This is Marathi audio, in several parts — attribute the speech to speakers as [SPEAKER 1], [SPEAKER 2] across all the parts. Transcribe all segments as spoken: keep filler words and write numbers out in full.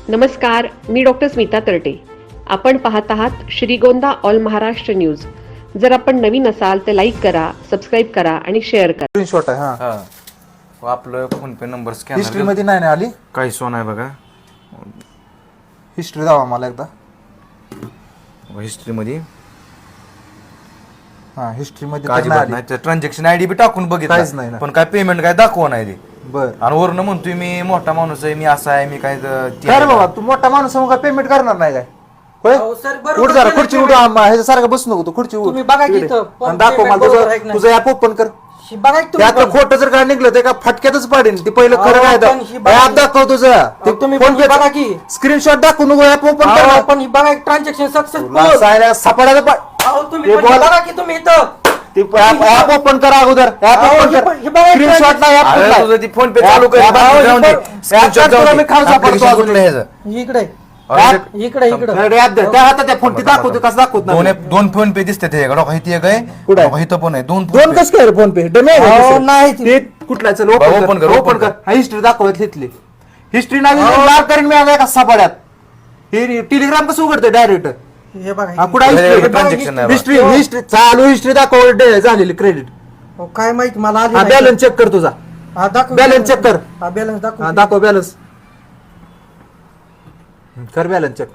[SPEAKER 1] नमस्कार, मी डॉक्टर स्मिता तरटे. आपण पाहत आहात श्रीगोंदा ऑल महाराष्ट्र न्यूज. जर आपण नवीन असाल तर लाईक करा, सबस्क्राईब करा आणि शेअर करा.
[SPEAKER 2] स्क्रीनशॉट आहे. हा
[SPEAKER 3] हा व आपलं PhonePe number
[SPEAKER 2] history
[SPEAKER 3] scanner
[SPEAKER 2] मध्ये नाही ना आली.
[SPEAKER 3] काही सोन आहे बघा.
[SPEAKER 2] हिस्ट्री दावा मला एकदा.
[SPEAKER 3] हिस्ट्री मध्ये
[SPEAKER 2] हा हिस्ट्री मध्ये
[SPEAKER 3] काय
[SPEAKER 2] तर नाही
[SPEAKER 3] नाही
[SPEAKER 2] आली.
[SPEAKER 3] ट्रान्झॅक्शन आयडी बी टाकून
[SPEAKER 2] काहीच नाही
[SPEAKER 3] बघितलं
[SPEAKER 2] ना.
[SPEAKER 3] पण काय पेमेंट काय दाखवा नाही ते.
[SPEAKER 2] बर
[SPEAKER 3] आणि वरनं म्हणतोय मी मोठा माणूस आहे, मी असा आहे, मी काय ते
[SPEAKER 2] काय रे बाबा तू मोठा माणूस आहे, मग काय पेमेंट करणार नाही काय? होय
[SPEAKER 4] अहो सर, बरोबर
[SPEAKER 2] उठ जरा
[SPEAKER 4] केलं
[SPEAKER 2] खुर्ची उठ.
[SPEAKER 4] तुम्ही.
[SPEAKER 2] आम्हा ह्याच्यासारखं बसू नको तू. खुर्ची उठ.
[SPEAKER 4] तुम्ही बघा की
[SPEAKER 2] इकडे.
[SPEAKER 4] इथं, पण
[SPEAKER 2] आणि दाखव
[SPEAKER 4] payment
[SPEAKER 2] मला
[SPEAKER 4] बरोबर आहे की
[SPEAKER 2] तुझं
[SPEAKER 4] नाही?
[SPEAKER 2] तुझं ऍप ओपन कर.
[SPEAKER 4] शी बघा की तुम्ही
[SPEAKER 2] त्यातलं
[SPEAKER 4] पण.
[SPEAKER 2] खोटं जर काय निघलं ते का फटक्यातच पाडेन. ते पहिलं
[SPEAKER 4] अहो,
[SPEAKER 2] खरं काय
[SPEAKER 4] पण ही बघा
[SPEAKER 2] ऍप
[SPEAKER 4] की-
[SPEAKER 2] दाखव तुझं. ते
[SPEAKER 4] तुम्ही
[SPEAKER 2] फोन
[SPEAKER 4] पण बघा की.
[SPEAKER 2] स्क्रीनशॉट दाखवू नको. ऍप ओपन
[SPEAKER 4] अहो,
[SPEAKER 2] कर.
[SPEAKER 4] पण ही बघा ट्रान्झॅक्शन सक्सेसफुल.
[SPEAKER 2] सापडायला पा-
[SPEAKER 4] अहो तुम्ही
[SPEAKER 2] हे
[SPEAKER 4] पण
[SPEAKER 2] बोला.
[SPEAKER 4] बघा की तुम्ही इथं.
[SPEAKER 2] ते ऍप ओपन करा अगोदर. ऍप
[SPEAKER 4] अहो,
[SPEAKER 2] ओपन
[SPEAKER 4] हे
[SPEAKER 2] कर.
[SPEAKER 4] पण- हे बघा
[SPEAKER 2] स्क्रीनशॉट नाही ऍप
[SPEAKER 3] अरे
[SPEAKER 2] कुठला
[SPEAKER 3] तुझं ती फोन पे
[SPEAKER 2] आहे?
[SPEAKER 3] चालू कर.
[SPEAKER 2] ऍप-
[SPEAKER 3] बाकी
[SPEAKER 2] ऍप-
[SPEAKER 3] जाऊन दे.
[SPEAKER 2] ऍप-
[SPEAKER 3] स्क्रीनशॉट
[SPEAKER 2] ऍप
[SPEAKER 3] जाऊन
[SPEAKER 2] तुला मी
[SPEAKER 3] दे.
[SPEAKER 2] खाऊ सापडतो
[SPEAKER 3] Application
[SPEAKER 2] अजून.
[SPEAKER 3] कुठलं आहे ह्याचं?
[SPEAKER 4] इकडे
[SPEAKER 3] अरे
[SPEAKER 2] ऍप-
[SPEAKER 4] इकडे इकडे
[SPEAKER 2] अरे ऍप दे. त्या हातात त्या फोन ती दाखवतो कसं दाखवत
[SPEAKER 3] दोन
[SPEAKER 2] नाही.
[SPEAKER 3] दोन फोन पे दिसते ते डॉक इथे एक आहे
[SPEAKER 2] कुठं आहे?
[SPEAKER 3] डॉक इथं पण आहे. दोन
[SPEAKER 2] दोन
[SPEAKER 3] phone pay.
[SPEAKER 2] कसं काय फोन पे डमे
[SPEAKER 4] अहो, नाही
[SPEAKER 2] ते कुठला चल
[SPEAKER 3] बरं,
[SPEAKER 2] ओपन
[SPEAKER 3] open
[SPEAKER 2] कर
[SPEAKER 3] कर,
[SPEAKER 2] ओपन
[SPEAKER 3] open
[SPEAKER 2] कर.
[SPEAKER 3] कर.
[SPEAKER 2] हा हिस्ट्री दाखवत घेतली. हिस्ट्री नाही लाल करीन मी आता एका सापड्यात. हे टेलिग्राम कसं उघडतं डायरेक्ट?
[SPEAKER 4] हे बघा
[SPEAKER 2] हा
[SPEAKER 4] हे-
[SPEAKER 2] कुठं
[SPEAKER 3] हे
[SPEAKER 2] हिस्ट्री
[SPEAKER 3] transaction नाही बघा.
[SPEAKER 2] हिस्ट्री हिस्ट्री चालू हिस्ट्री दाखव डे- झालेली क्रेडिट.
[SPEAKER 4] अहो, काय माहिती मला आली
[SPEAKER 2] हा
[SPEAKER 4] नाही.
[SPEAKER 2] बॅलन्स चेक कर तुझा.
[SPEAKER 4] हा, दाखव
[SPEAKER 2] balance check कर.
[SPEAKER 4] हा बॅलन्स
[SPEAKER 2] हा
[SPEAKER 4] दाखव.
[SPEAKER 2] दाखव बॅलन्स कर बॅलन्स चेक.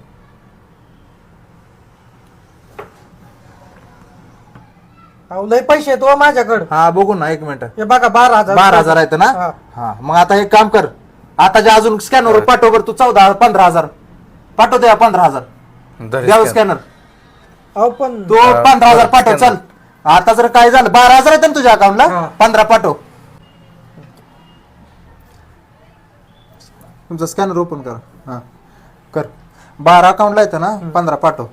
[SPEAKER 4] अहो लय पैसे आहेत हो माझ्याकडे.
[SPEAKER 2] हा बघू ना एक मिनिट.
[SPEAKER 4] हे बघा बारा हजार
[SPEAKER 2] बारा हजार आहेत ना.
[SPEAKER 4] हा.
[SPEAKER 2] हा मग आता एक काम कर. आता जे अजून स्कॅनर पाठव बरं तू. चौदा पंधरा हजार पाठव द्या. पंधरा हजार
[SPEAKER 3] धर
[SPEAKER 2] द्यावं
[SPEAKER 3] scan.
[SPEAKER 2] स्कॅनर.
[SPEAKER 4] अहो पण
[SPEAKER 2] तो
[SPEAKER 3] हा,
[SPEAKER 2] पंधरा हजार पाठव.
[SPEAKER 3] scanner.
[SPEAKER 2] चल आता जर काय झालं बारा हजार आहेत ना तुझ्या अकाउंटला.
[SPEAKER 4] हा.
[SPEAKER 2] पंधरा पाठव. तुमचा स्कॅनर ओपन कर. हा कर. बारा अकाउंटला येतं ना. पंधरा पाठव.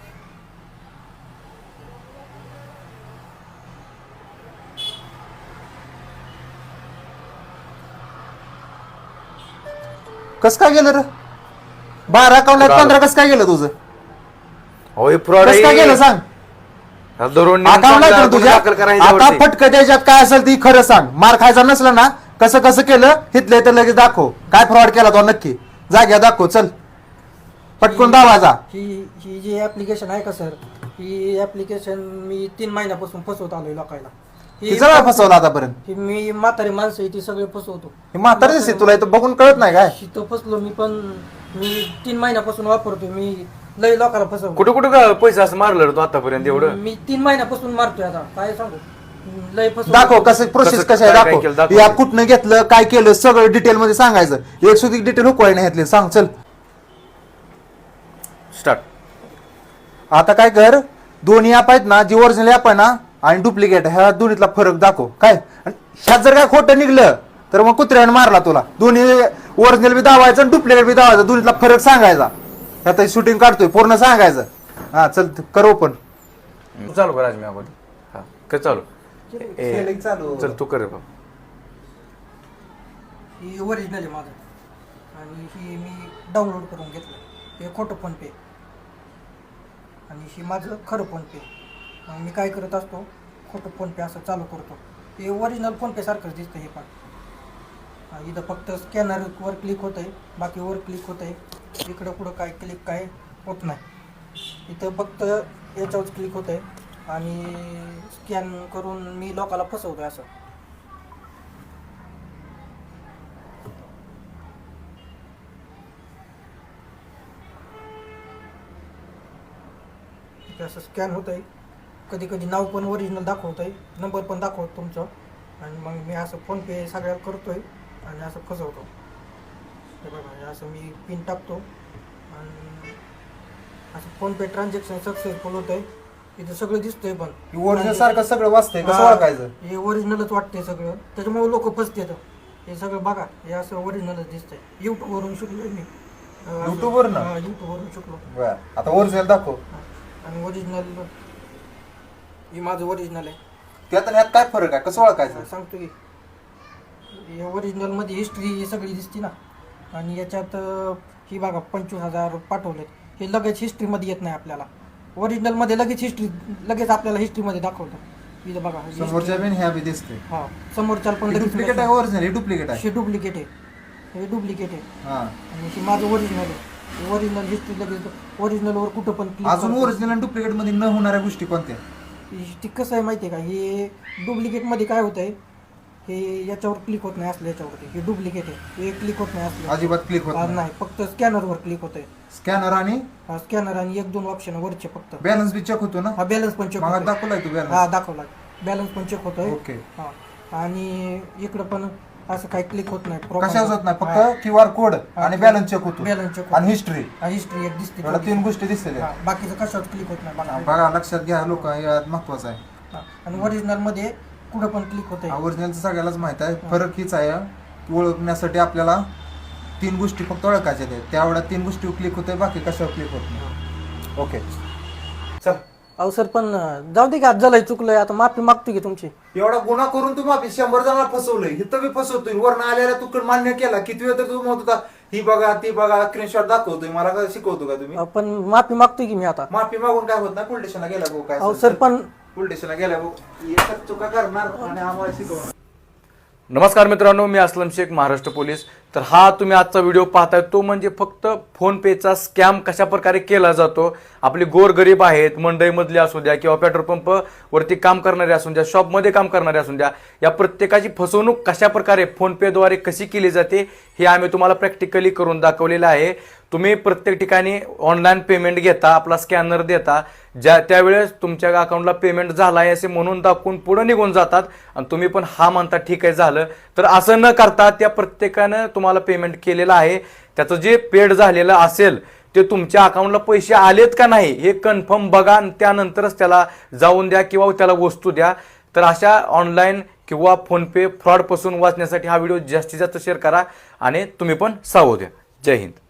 [SPEAKER 2] कस काय गेलं रे? बारा अकाउंटला
[SPEAKER 3] Fraud.
[SPEAKER 2] पंधरा कस काय गेलं तुझं?
[SPEAKER 3] अहो हे fraud
[SPEAKER 2] कस काय
[SPEAKER 3] आहे.
[SPEAKER 2] गेलं सांग.
[SPEAKER 3] हा, दररोज नेऊन
[SPEAKER 2] अकाउंटला
[SPEAKER 3] चांगला
[SPEAKER 2] येतं तुझ्या.
[SPEAKER 3] दाखल करायचं
[SPEAKER 2] आता
[SPEAKER 3] वरती.
[SPEAKER 2] फटकं त्याच्यात काय असेल ती खरं सांग. मार खायचा नसला ना कसं कसं केलं हिथले तर लगेच दाखव. काय फ्रॉड केला तो नक्की जाग्या दाखव. चल पटकून दावाजा.
[SPEAKER 4] ही ही जी ऍप्लिकेशन आहे का सर, ही ऍप्लिकेशन मी तीन महिन्यापासून फसवत आलोय लोकांना. ही
[SPEAKER 2] तिचा वेळा फसवला आतापर्यंत.
[SPEAKER 4] ही मी म्हातारी माणसं आहे ती सगळे फसवतो.
[SPEAKER 2] हे म्हातारी दिसते तुला इथं बघून कळत नाही काय?
[SPEAKER 4] तिथं फसलो मी, पण मी तीन महिन्यापासून वापरतोय. मी लय लोकांना फसवतो.
[SPEAKER 3] कुठं कुठं का पैसा असं मारलं रे तू आतापर्यंत एवढं?
[SPEAKER 4] मी तीन महिन्यापासून मारतोय. आता काय सांगू, लय फसवतो.
[SPEAKER 2] दाखव कसं प्रोसेस
[SPEAKER 3] कसं-
[SPEAKER 2] कसं आहे
[SPEAKER 3] काय- काय
[SPEAKER 2] दाखव.
[SPEAKER 3] केलं दाखव.
[SPEAKER 2] या कुठनं घेतलं काय केलं सगळं डिटेल मध्ये सांगायचं. एक सुधी डिटेल हुकवाय नाही घेतली. सांग चल.
[SPEAKER 3] स्टार्ट.
[SPEAKER 2] आता काय कर. दोन्ही ऍप आहेत ना जी ओरिजिनल ऍप आहे ना आणि डुप्लिकेट ह्या दोन्हीतला फरक दाखव. काय आणि ह्यात जर काय खोटं निघलं तर मग कुत्र्याने मारला तुला. दोन्ही ओरिजिनल बी दावायचं आणि डुप्लिकेट बी दावायचं. दोन्हीतला फरक सांगायचा. आता शूटिंग काढतोय पूर्ण सांगायचं. हा चल कर ओपन.
[SPEAKER 3] चालू कर आज मी अगोदर. हा कर चालू. ए,
[SPEAKER 2] Selling चालू.
[SPEAKER 3] चल तू कर बाबा.
[SPEAKER 4] ही ओरिजिनल आहे माझं आणि ही मी डाउनलोड करून घेतलं. हे खोटं फोन पे आणि ही माझं खरं फोन पे. मग मी काय करत असतो, खोटं फोन पे असं चालू करतो. हे ओरिजिनल फोन पे सारखंच दिसतं हे पण. हा, इथं फक्त स्कॅनरवर क्लिक होत आहे, बाकी वर क्लिक होत आहे. इकडं पुढं काय क्लिक काय होत नाही. इथं फक्त याच्यावरच क्लिक होत आहे आणि स्कॅन करून मी लोकांना फसवतोय असं. इथे असं स्कॅन होत आहे. कधी कधी नाव पण ओरिजिनल दाखवत आहे, नंबर पण दाखवतो तुमचं. आणि मग मी असं फोनपे सगळ्या करतोय आणि असं फसवतो. हे बघा हे असं मी पिन टाकतो आणि असं फोनपे ट्रान्झॅक्शन सक्सेसफुल होत आहे. इथं सगळं दिसतंय पण
[SPEAKER 2] ओरिजिनल सारखं सगळं वाचतंय. कसं
[SPEAKER 4] हा,
[SPEAKER 2] ओळखायचं?
[SPEAKER 4] हे ओरिजिनलच वाटतंय सगळं. त्याच्यामुळे लोक फसतात. हे सगळं बघा हे असं ओरिजिनलच दिसतंय. युट्यूब वरून शिकलोय मी. अं, असं-
[SPEAKER 2] YouTube वरून?
[SPEAKER 4] हा, YouTube वरून शिकलो.
[SPEAKER 2] बरं आता ओरिजिनल दाखव.
[SPEAKER 4] आणि ओरिजिनल हे माझं ओरिजिनल आहे.
[SPEAKER 2] त्यात आणि ह्यात काय फरक आहे? कसं ओळखायचं?
[SPEAKER 4] सांगतो की हे ओरिजिनल मध्ये हिस्ट्री सगळी दिसते ना. आणि याच्यात अं, ही बघा पंचवीस हजार पाठवलेत. हे लगेच हिस्ट्रीमध्ये येत नाही आपल्याला. ओरिजिनल मध्ये लगेच हिस्ट्री लगेच आपल्याला हिस्ट्रीमध्ये दाखवतात. इथं बघा
[SPEAKER 2] समोरच्या बिन ह्या बी दिसते.
[SPEAKER 4] हा समोरच्या पण लगेच
[SPEAKER 2] डुप्लिकेट आहे ओरिजिनल हे डुप्लिकेट आहे.
[SPEAKER 4] हे डुप्लिकेट आहे. हे डुप्लिकेट आहे
[SPEAKER 2] हा
[SPEAKER 4] आणि हे माझं ओरिजिनल आहे. ओरिजिनल हिस्ट्री लगेच ओरिजिनलवर कुठं पण click
[SPEAKER 2] अजून
[SPEAKER 4] करतो.
[SPEAKER 2] ओरिजिनल आणि डुप्लिकेट मध्ये न होणाऱ्या गोष्टी कोणत्या?
[SPEAKER 4] ती कसं आहे माहिती आहे का, हे डुप्लिकेटमध्ये काय होतं आहे, हे याच्यावर क्लिक होत नाही असलं याच्यावरती. हे डुप्लिकेट आहे, हे क्लिक होत नाही असलं
[SPEAKER 2] अजिबात क्लिक होत
[SPEAKER 4] हा,
[SPEAKER 2] नाही.
[SPEAKER 4] नाही फक्त स्कॅनरवर क्लिक होत आहे.
[SPEAKER 2] स्कॅनर आणि
[SPEAKER 4] स्कॅनर आणि एक दोन ऑप्शन वरचे फक्त.
[SPEAKER 2] बॅलन्स बी चेक होतो ना?
[SPEAKER 4] हा बॅलन्स पण चेक
[SPEAKER 2] मला
[SPEAKER 4] होतोय.
[SPEAKER 2] दाखवलाय तू
[SPEAKER 4] हा
[SPEAKER 2] बॅलन्स?
[SPEAKER 4] दाखवला बॅलन्स पण चेक होतोय.
[SPEAKER 2] ओके.
[SPEAKER 4] हा आणि इकडं पण असं काही क्लिक होत नाही.
[SPEAKER 2] कशाच होत नाही, फक्त क्यू आर कोड आणि बॅलन्स चेक होतो
[SPEAKER 4] बॅलन्स चेक
[SPEAKER 2] आणि हिस्ट्री,
[SPEAKER 4] हिस्ट्री एक दिसते.
[SPEAKER 2] एवढ्या तीन गोष्टी दिसते.
[SPEAKER 4] हा, बाकीचं कशावर क्लिक होत नाही बघा.
[SPEAKER 2] बघा लक्षात घ्या लोक, यात महत्वाचं आहे.
[SPEAKER 4] हा, आणि ओरिजिनल मध्ये कुठं पण क्लिक होतंय.
[SPEAKER 2] ओरिजिनलचं सगळ्यालाच माहित आहे. फरक हीच आहे की ओळखण्यासाठी आपल्याला तीन गोष्टी फक्त ओळखायच्या आहेत. त्यावेळेला तीन गोष्टी क्लिक होतोय, बाकी कशावर क्लिक होत नाही. ओके चल.
[SPEAKER 4] अहो सर पण जाऊ दे की, आज झालंय चुकलंय, आता माफी मागतो की तुमची.
[SPEAKER 2] एवढा गुन्हा करून तू माफी शंभर जणांना फसवलंय, इथं बी फसवतोय. वरनं आलेला तू पण मान्य केला. किती वेळ तर तू म्हणत होता ही बघा ती बघा, स्क्रीनशॉट दाखवतोय मला, का शिकवतो का तुम्ही?
[SPEAKER 4] अहो, पण माफी मागतोय की मी आता.
[SPEAKER 2] माफी मागून काय होत नाही, पोलीस स्टेशनला गेला भाऊ. काय
[SPEAKER 4] अहो सर पण
[SPEAKER 2] पोलीस स्टेशनला गेला भाऊ, एकच चुका करणार आणि आम्हाला शिकवणार.
[SPEAKER 3] नमस्कार मित्रांनो, मी असलम शेख, महाराष्ट्र पोलीस. तर हा तुम्ही आजचा व्हिडिओ पाहताय तो म्हणजे फक्त फोनपेचा स्कॅम कशा प्रकारे केला जातो. आपले गोरगरीब आहेत, मंडईमधले असू द्या किंवा पेट्रोल पंप वरती काम करणारे असू द्या, शॉपमध्ये काम करणारे असू द्या, या प्रत्येकाची फसवणूक कशा प्रकारे फोनपेद्वारे कशी केली जाते हे आम्ही तुम्हाला प्रॅक्टिकली करून दाखवलेलं आहे. तुम्ही प्रत्येक ठिकाणी ऑनलाईन पेमेंट घेता, आपला स्कॅनर देता, ज्या त्यावेळेस तुमच्या अकाउंटला पेमेंट झाला आहे असे म्हणून दाखवून पुढे निघून जातात आणि तुम्ही पण हा म्हणता ठीक आहे झालं. तर असं न करता त्या प्रत्येकानं तुम्हाला पेमेंट केलेलं आहे, त्याचं जे पेड झालेलं असेल ते तुमच्या अकाउंटला पैसे आलेत का नाही हे कन्फर्म बघा आणि त्यानंतरच त्याला जाऊन द्या किंवा त्याला वस्तू द्या. तर अशा ऑनलाईन किंवा फोनपे फ्रॉडपासून वाचण्यासाठी हा व्हिडिओ जास्तीत जास्त शेअर करा आणि तुम्ही पण सावध द्या. जय हिंद.